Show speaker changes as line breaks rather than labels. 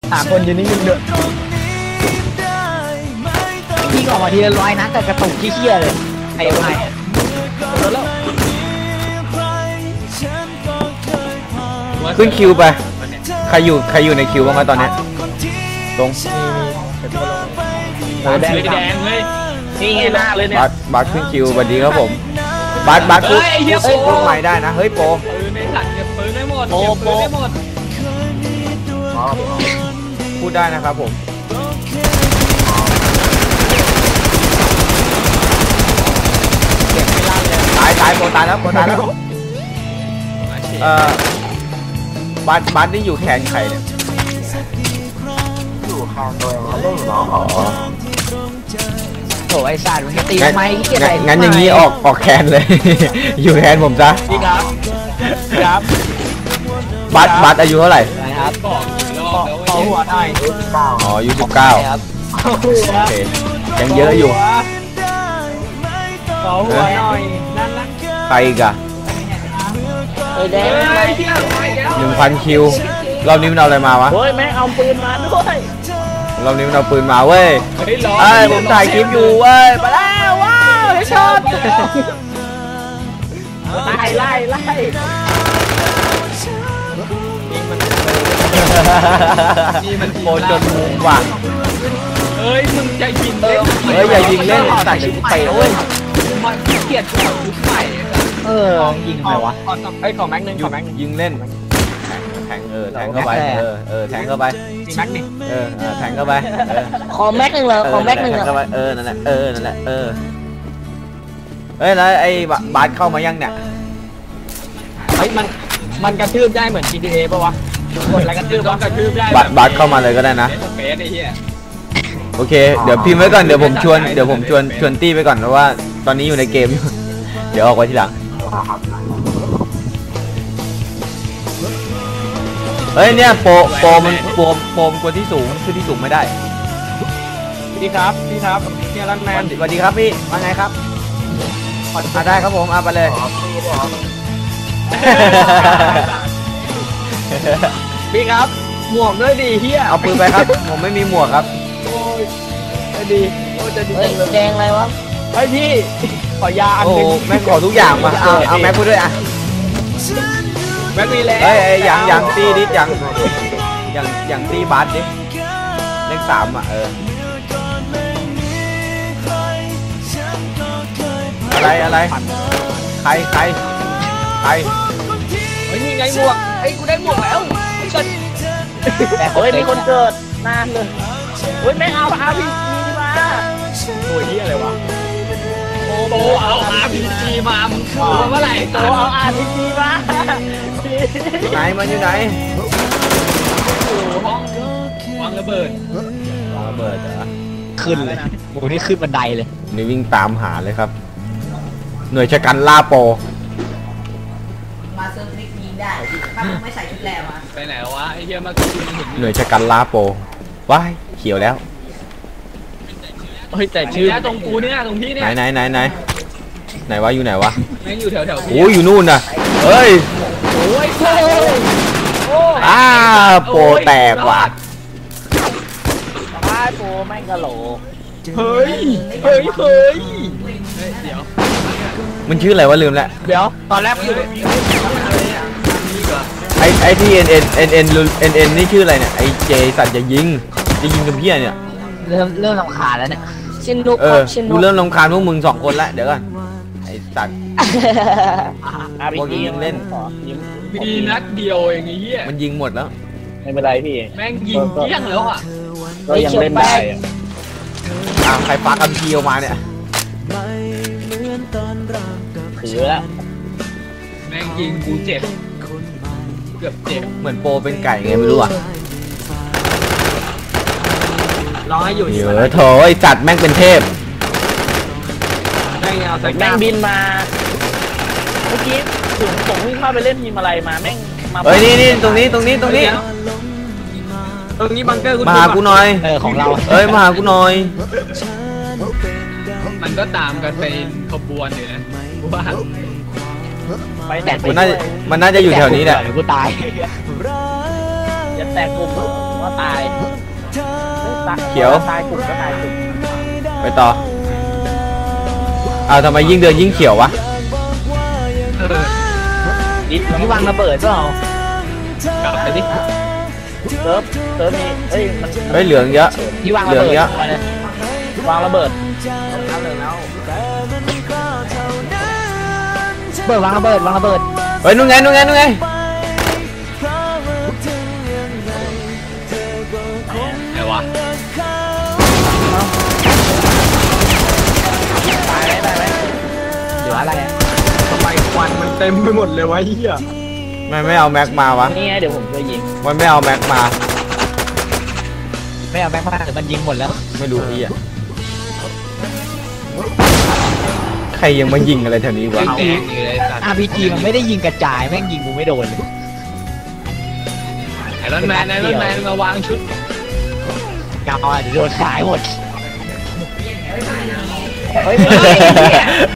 หาคนยืนนิ่งๆด้วยพี่ออกมาทีละร้อยนะแต่กระตุกขี้เกียจเลยไอ้ไอ้
ขึ้นคิวไปใครอยู่ในคิวบ้างไหมตอนนี้ตรง
แดงเลยนี่ไงหน้าเลยเนี่ย
บัสขึ้นคิวสวัสดีครับผมบัสพูดใหม่ได้นะเฮ้ยโป
ในถังเก็บปืนได้หมด
พูดได้นะครับผมตายโปตายแล้วบัสนี่อยู่แขนใครเนี่ย
อยู่ข้างตัวเองเล่นอยู่เนาะ
โถไอ้สัตว์มันจะตีทำไมขี้เกียจ
งั้นอย่างนี้ออกแขนเลย อยู่แขนผมซะ
พี่ครับ
บัสอายุเท่าไหร่
ครับขอหัวหน่อย
อ๋ออายุ19
ครับ
โอเคยังเยอะอยู่
ขอหัวหน่อยนั่นนะ
ใครอีกอะ
แดง
1,000 คิวรอบนี้มันเอาอะไรมาวะ
เฮ้ยแม่เอาปืนมาด้วย
รอบนี้มันเอาปืนมาเว้ยผมถ่ายคลิปอยู่เว้ยมาแล้วว้าวเฮดช็อต
ไล่
นี่มันโคจนมุมว่ะ
เฮ้ยมึงจะยิงเล่น
อย่ายิงเล่นตัดชิ้นไปเว้ย
มันเกลียดของยุคใหม่
ยิงทำไมวะ
ไอ้ของแม็กนึง
ยิงเล่นแทงแทงเข้าไปแทงเข้าไป
มีแม็กนี่
แทงเข้าไป
ขอแม็กนึงเหรอขอแม็กนึงเหรอ
เข้าไปนั่นแหละเฮ้ยแล้วไอ้บาสเข้ามายังเนี่ย
เฮ้ยมันกระทืบได้เหมือน GTA ป่ะวะกดอะไรกระทืบได้
บาสเข้ามาเลยก็ได้นะโอเคเดี๋ยวพิมพ์ไว้ก่อนเดี๋ยวผมชวนตี้ไปก่อนเพราะว่าตอนนี้อยู่ในเกมอยู่เดี๋ยวออกไว้ทีหลังเฮ้ยเนี่ยโปมันกวนที่สูงขึ้นที่สูงไม่ได้
พี่ครับเนี่ยรันแมน
สวัสดีครับพี่ว่าไงครับได้ครับผมไปเลย
พี่ครับหมวกด้วยดิเฮีย
เอาปืนไปครับผมไม่มีหมวกครับ
ไม่ดีจะดี
แดงอะไรวะ
ไอพี่ขอยาอันนึง
แม่ขอทุกอย่างมาเอาแม็กพูดด้วยอ่ะ
แม็กมีแล้ว
เฮ้ยอย่างตีดิอย่างตีบาสดิเลข3อ่ะอะไรใคร
เฮ้ยนี่ไงหมวกไอ้กูได้หมวกแล้ว
เฮ้ยมีคนเกิดนานเลยเฮ้ยแม่เอาRPGมา
โอ้ยนี่อะไรวะโตเอา RPG มามึงเมื่อไหร่
โตเอา RPG มา
มันอยู่ไหน
ห้องวางระเบิด
เหรอ
ขึ้นเลยโอ้นี่ขึ้นบันไดเลย
นี่วิ่งตามหาเลยครับหน่วยชะกันล่าโป
มาเซิร์ฟนิกยิงได้ถ้ามึงไม่ใส่ชุดแลมา
ไปไหนวะไอ้เหี้ยมา
หน่วยชะกันล่าโปว้ายเขียวแล้ว
เฮ้ยแต่ชื่อ
ตรงกูเนี่ยตรงพี่เนี่ย
ไหนวะอยู่ไหนวะ
แม่งอยู่แถว
โอ้อยู่นู่นน่ะเฮ้ย
โอ้ย
โปแตกว่ะ
โปแม่งกะโหล
เฮ้ยเดี๋ยว
มันชื่ออะไรวะลืมแล้ว
เดี๋ยวตอนแรก
ไอที่เอ็นนี่ชื่ออะไรเนี่ยไอเจสัตว์จะยิงกับพี่เนี่ย
เริ่มรำคาญแล้วเนี่ยชินนุก
กูเริ่มรำคาญพวกมึง2 คนแล้วเดี๋ยวก่อนไอสัตว์พวกยิงเล่น
มีนัดเดียวอย่างงี้
มันยิงหมดแล้ว
ไม่เป็นไรพี่
แม่งยิงเกี้ยงแล้วอ่ะ
ก็ยังเล่นได้
ใครปากันเคียวมาเนี่ย
ถือแล้ว
แม่งยิงกูเจ็บเกือบเจ็บ
เหมือนโปเป็นไก่ไงไม่รู้อ่ะ
รอให้อยู่
เยอะโถไอสัตว์แม่งเป็นเทพ
แ
ม่งบินมาเมื่อกี้ผมวิ่งเข้าไปเล่นทีมอะไรมาแม่งมา
เฮ้ยนี่ตรงนี้
ตรงนี้บังเกอร์
มาหากูหน่อย
ของเรา
มาหากูหน่อย
มันก็ตามกันเป็นขบวนอยู่นะว่า
ไปแตก
มันน่าจะอยู่แถวนี้แหละ
กูตายอย่าแตกกลุ่มก็ตาย
เขียว
ตายกลุ่มก็ตายกลุ่ม
ไปต่อทำไมยิ่งเดินยิ่งเขียววะ
ดิที่วางระเบิดเปล่าก
ลับไปดิ
เซิร์ฟมีเอ้ยมัน
เฮ้ยเหลืองเยอะ
ที่วาง
เห
ระ
ลือง
เบิด
เยอะ
วางระเบิด
เบิดวางระเบิดวางระเบิด
เฮ้ยนู่นไงนู่นไงนู่นไง
ไงวะ
ตายไหม
เหลืออะไรอ่ะทำไมควันมันเต็มไปหมดเลยวะเฮีย
ไม่เอาแม็กมาวะ
นี่ไงเดี๋ยวผมช่วยยิง
มันไม่เอาแม็กมา
ไม่เอาแม็กมาหรือมันยิงหมดแล้ว
ไม่รู้พี่อะใครยังมายิงอะไรแถวนี้วะ
RPG มันไม่ได้ยิงกระจายแม่งยิงกูไม่โดนเลยไอรอนแมนมาวางชุดเงาเดี๋ยวโดนขายหมด
เฮ้ย